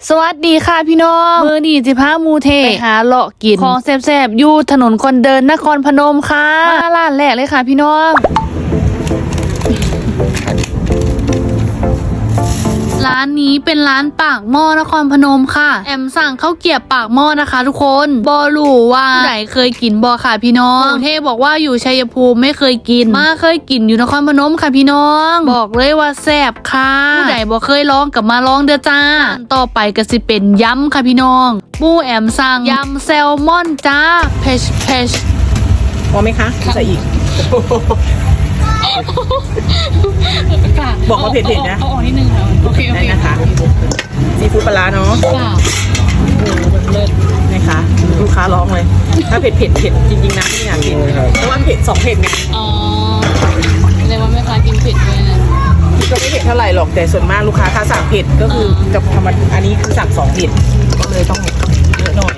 สวัสดีค่ะพี่น้องมื้อนี้สิพาหมู่เทไปหาเลาะกินของแซ่บๆอยู่ถนนคนเดินนครพนมค่ะมาร้านแรกเลยค่ะพี่น้องร้านนี้เป็นร้านปากหม้อนครพนมค่ะแอมสั่งข้าวเกรี๊ยวปากหม้อนะคะทุกคนบอรู้ว่าผู้ใดเคยกินบอค่ะพี่น้องหมู่เทบอกว่าอยู่ชัยภูมิไม่เคยกินมาเคยกินอยู่นครพนมค่ะพี่น้องบอกเลยว่าแซ่บค่ะผู้ใดบอเคยลองกับมาลองเด้อจ้าต่อไปก็สิเป็นยำค่ะพี่น้องหมู่แอมสั่งยำแซลมอนจ้าเพชพอไหมคะใส่อีกบอกว่าเผ็ดๆนะเอาออกนิดนึงค่ะโอเคได้นะคะซีฟู้ดปลาเนาะนะคะลูกค้าร้องเลยถ้าเผ็ดจริงๆนะไม่อยากกินเพราะว่าเผ็ด2 เผ็ดไงอ๋อเลยว่าแม่ค้ากินเผ็ดด้วยนะก็ไม่เผ็ดเท่าไหร่หรอกแต่ส่วนมากลูกค้าถ้าสั่งเผ็ดก็คือจะทำอันนี้คือสั่ง2 เผ็ดก็เลยต้องเยอะหน่อย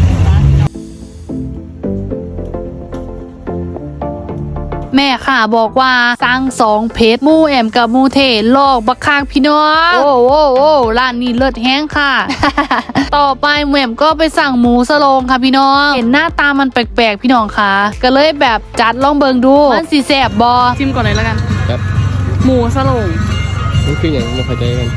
แม่ค่ะบอกว่าสั่ง2 เพชรหมู่แอมกับหมู่เทลอกบักคักพี่น้องโอ้ร้านนี้เลิศแห้งค่ะ ต่อไปหมู่แอมก็ไปสั่งหมูสโลงค่ะพี่น้องเห็นหน้าตามันแปลกๆพี่น้องค่ะก็เลยแบบจัดลองเบิงดูมันสิแซ่บบอชิมก่อนเลยแล้วกันครับหมูสโลงนี่คืออย่างไม่เข้าใจกัน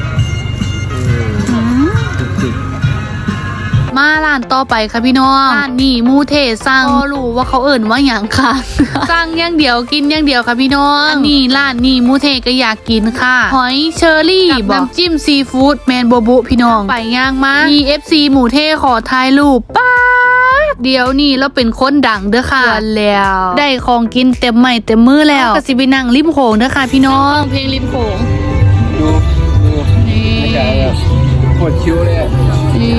มาร้านต่อไปค่ะพี่น้องร้านนี้หมู่เทสั่งก็รู้ว่าเขาเอิ่นว่าอย่างค่ะ สั่งอย่างเดียวกินอย่างเดียวค่ะพี่น้องอันนี้ร้านนี้หมู่เทก็อยากกินค่ะหอยเชอรี่กับน้ำจิ้มซีฟู้ดแมนโบบุพี่น้องไปย่างมามี FC หมู่เทขอถ่ายรูปป้าเดี๋ยวนี้เราเป็นคนดังเด้อค่ะแล้วได้ของกินเต็มไม้เต็มมือแล้วก็สิไปนั่งริมโขงเด้อค่ะพี่น้องเพลงริมโขงดูนี่ปวดคิ้วเลยนี่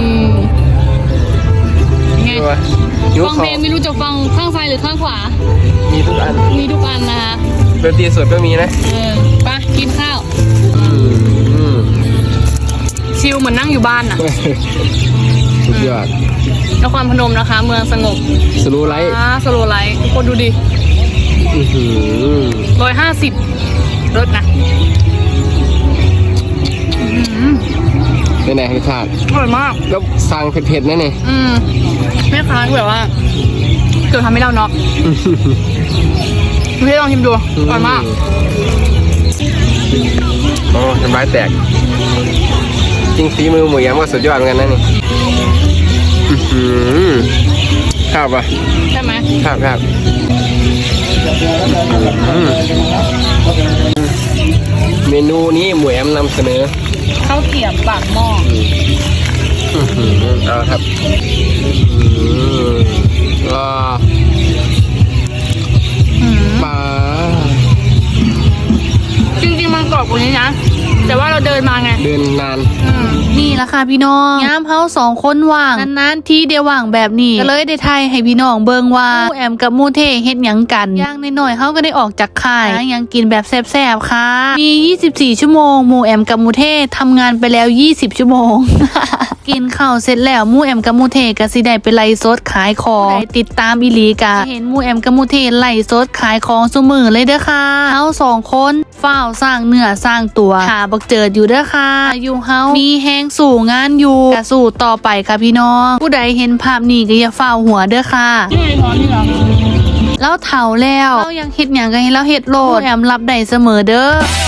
ฟังเพลงไม่รู้จะฟังข้างซ้ายหรือข้างขวามีทุกอันนะคะดนตรีสดก็มีนะไปกินข้าวชิลเหมือนนั่งอยู่บ้านน่ะสุดยอดนครพนมนะคะเมืองสงบสโลไลท์สโลไลท์คนดูดิ150รถนะเป็นไงรสชาติอร่อยมากแล้วสั่งเผ็ดๆนั่นเองแม่ค้าแบบว่าเกิดทำให้เราน็อกพี่ลองชิมดูอร่อยมากโอ้ทำร้ายแตกจริงฝีมือหมูยำก็สุดยอดเหมือนกันนะนี่ข้าวปะใช่ไหมครับเมนูนี้หมูแอมนำเสนอข้าวเกรี๊ยวปากหม้อเอาครับปลาจริงๆมันกรอบกว่านี้นะแต่ว่าเราเดินมาไงเดินนานนี่แหละค่ะพี่น้องย้ำเฮา2 คนว่างนานๆที่เดียวว่างแบบนี้ก็เลยได้ไทยให้พี่น้องเบิ่งว่าหมู่แอมกับหมู่เทเฮ็ดหยังกันอย่างน้อยๆเฮาก็ได้ออกจากค่ายยังกินแบบแซ่บๆค่ะมี24 ชั่วโมงหมู่แอมกับหมู่เททำงานไปแล้ว20 ชั่วโมง กินข้าวเสร็จแล้วหมู่แอมกับหมู่เทก็สิได้ไปไลฟ์สดขายของติดตามอีหลีกะเห็นหมู่แอมกับหมู่เทไลฟ์สดขายของซุมื้อเลยเด้อค่ะเฮา2 คนฝ้าวสร้างเนื้อสร้างตัวหาบักเจิดอยู่เด้อค่ะอยู่เฮามีแฮงสู่งานอยู่กะสู่ต่อไปค่ะพี่น้องผู้ใดเห็นภาพนี้ก็อย่าฝ้าวหัวเด้อค่ะแล้วเฒ่าแล้วเรายังเฮ็ดหยังก็ให้เราเฮ็ดโลดแอมรับได้เสมอเด้อ